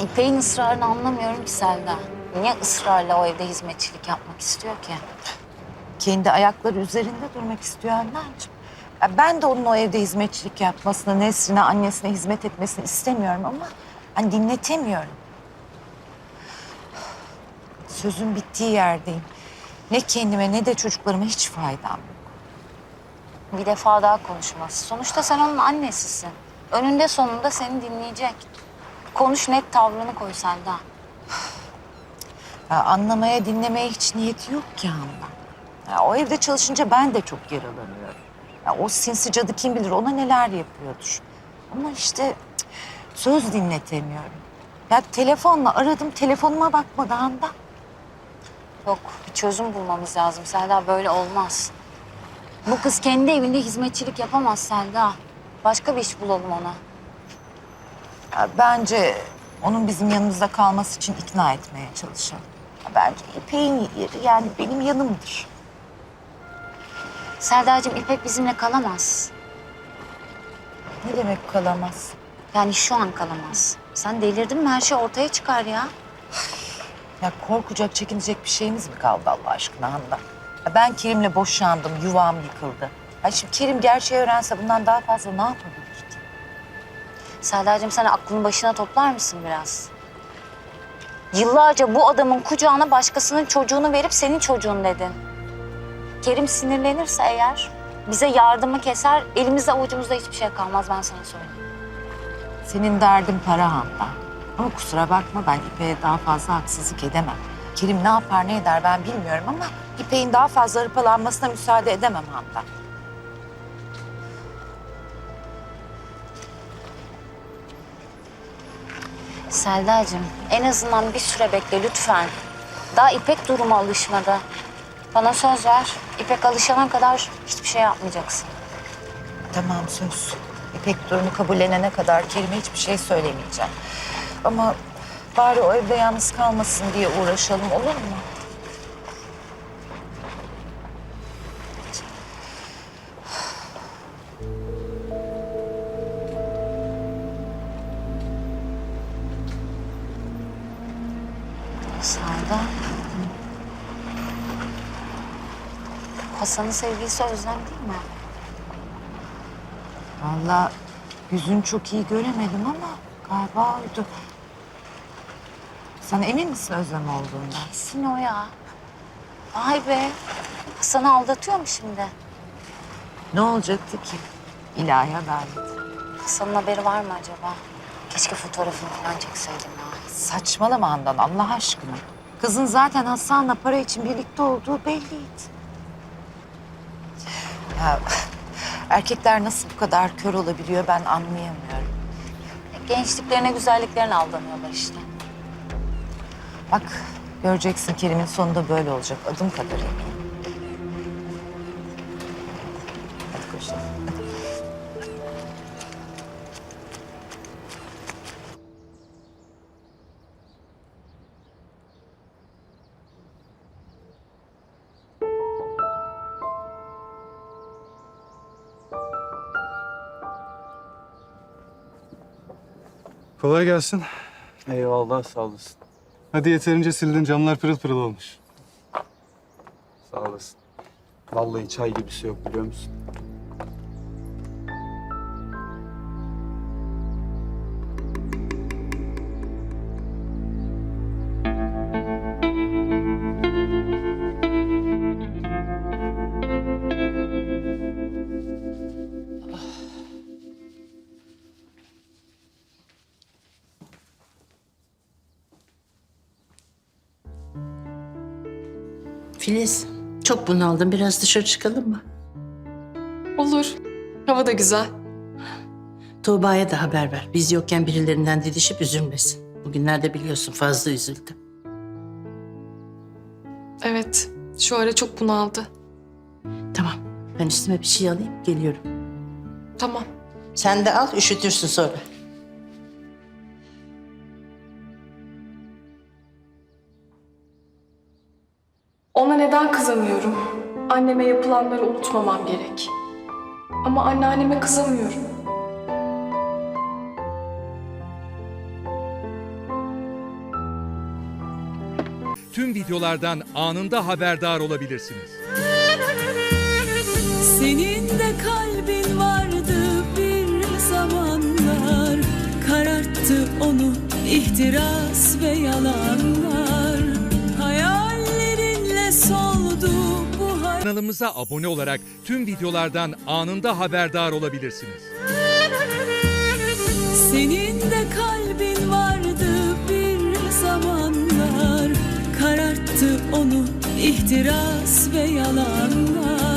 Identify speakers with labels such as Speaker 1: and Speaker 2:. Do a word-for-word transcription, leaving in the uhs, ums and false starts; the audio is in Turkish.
Speaker 1: İpek'in ısrarını anlamıyorum ki Selda. Niye ısrarla o evde hizmetçilik yapmak istiyor ki?
Speaker 2: Kendi ayakları üzerinde durmak istiyor Handancığım. Ya ben de onun o evde hizmetçilik yapmasını, Nesrin'e, annesine hizmet etmesini istemiyorum ama hani dinletemiyorum. Sözün bittiği yerdeyim. Ne kendime ne de çocuklarıma hiç faydam yok.
Speaker 1: Bir defa daha konuşması. Sonuçta sen onun annesisin. Önünde sonunda seni dinleyecek. Konuş, net tavrını koy Selda.
Speaker 2: Ya anlamaya, dinlemeye hiç niyeti yok ki Handan. Ya o evde çalışınca ben de çok yaralanıyorum. Ya o sinsi cadı kim bilir ona neler yapıyordur. Ama işte cık, söz dinletemiyorum. Ya telefonla aradım, telefonuma bakmadı Handan.
Speaker 1: Yok, bir çözüm bulmamız lazım Selda. Böyle olmaz. Bu kız kendi evinde hizmetçilik yapamaz Selda. Başka bir iş bulalım ona.
Speaker 2: Ya bence onun bizim yanımızda kalması için ikna etmeye çalışalım. Ya bence İpek'in yeri yani benim yanımdır.
Speaker 1: Selda'cığım, İpek bizimle kalamaz.
Speaker 2: Ne demek kalamaz?
Speaker 1: Yani şu an kalamaz. Sen delirdin mi? Her şey ortaya çıkar ya.
Speaker 2: Ya korkacak, çekinecek bir şeyimiz mi kaldı Allah aşkına Handan? Ya ben Kerim'le boşandım, yuvam yıkıldı. Ya şimdi Kerim gerçeği öğrense bundan daha fazla ne yapabilir ki?
Speaker 1: Selda'cığım, sen aklını başına toplar mısın biraz? Yıllarca bu adamın kucağına başkasının çocuğunu verip senin çocuğun dedin. Kerim sinirlenirse eğer bize yardımı keser, elimizde avucumuzda hiçbir şey kalmaz, ben sana söyleyeyim.
Speaker 2: Senin derdin para Handan. Ama kusura bakma ben İpek'e daha fazla haksızlık edemem. Kerim ne yapar ne eder ben bilmiyorum ama İpek'in daha fazla hırpalanmasına müsaade edemem Handan.
Speaker 1: Selda'cığım, en azından bir süre bekle lütfen. Daha İpek duruma alışmadı. Bana söz ver, İpek alışana kadar hiçbir şey yapmayacaksın.
Speaker 2: Tamam söz. İpek durumu kabullenene kadar Kerim'e hiçbir şey söylemeyeceğim. Ama bari o evde yalnız kalmasın diye uğraşalım olur mu?
Speaker 1: Selda. Hasan'ın sevgilisi Özlem değil mi?
Speaker 2: Vallahi yüzünü çok iyi göremedim ama galiba oydu. Sen emin misin Özlem olduğundan?
Speaker 1: Kesin o ya. Vay be. Hasan'ı aldatıyor mu şimdi?
Speaker 2: Ne olacaktı ki? İlahi adalet.
Speaker 1: Hasan'ın haberi var mı acaba? Keşke fotoğrafını falan çekseydim ya.
Speaker 2: Saçmalama Handan Allah aşkına. Kızın zaten Hasan'la para için birlikte olduğu belliydi. Ya erkekler nasıl bu kadar kör olabiliyor ben anlayamıyorum.
Speaker 1: Gençliklerine, güzelliklerine aldanıyorlar işte.
Speaker 2: Bak göreceksin Kerim'in sonunda böyle olacak adım kadar eminim. Hadi koşalım.
Speaker 3: Kolay gelsin.
Speaker 4: Eyvallah, sağ olasın.
Speaker 3: Hadi yeterince sildin. Camlar pırıl pırıl olmuş.
Speaker 4: Sağ olasın. Vallahi çay gibisi yok biliyor musun?
Speaker 5: Filiz, çok bunaldım. Biraz dışarı çıkalım mı?
Speaker 6: Olur. Hava da güzel.
Speaker 5: Tuğba'ya da haber ver. Biz yokken birilerinden didişip üzülmesin. Bugünlerde biliyorsun fazla üzüldü.
Speaker 6: Evet. Şu ara çok bunaldı.
Speaker 5: Tamam, ben üstüme bir şey alayım, geliyorum.
Speaker 6: Tamam.
Speaker 5: Sen de al, üşütürsün sonra.
Speaker 6: Ona neden kızamıyorum? Anneme yapılanları unutmamam gerek. Ama anneanneme kızamıyorum.
Speaker 7: tüm videolardan anında haberdar olabilirsiniz.
Speaker 8: Senin de kalbin vardı bir zamanlar, kararttı onu ihtiras ve yalanlar. Hayallerinle soldu bu hayat.
Speaker 7: Kanalımıza abone olarak tüm videolardan anında haberdar olabilirsiniz.
Speaker 8: Senin de kalbin vardı bir zamanlar, kararttı onu ihtiras ve yalanlar.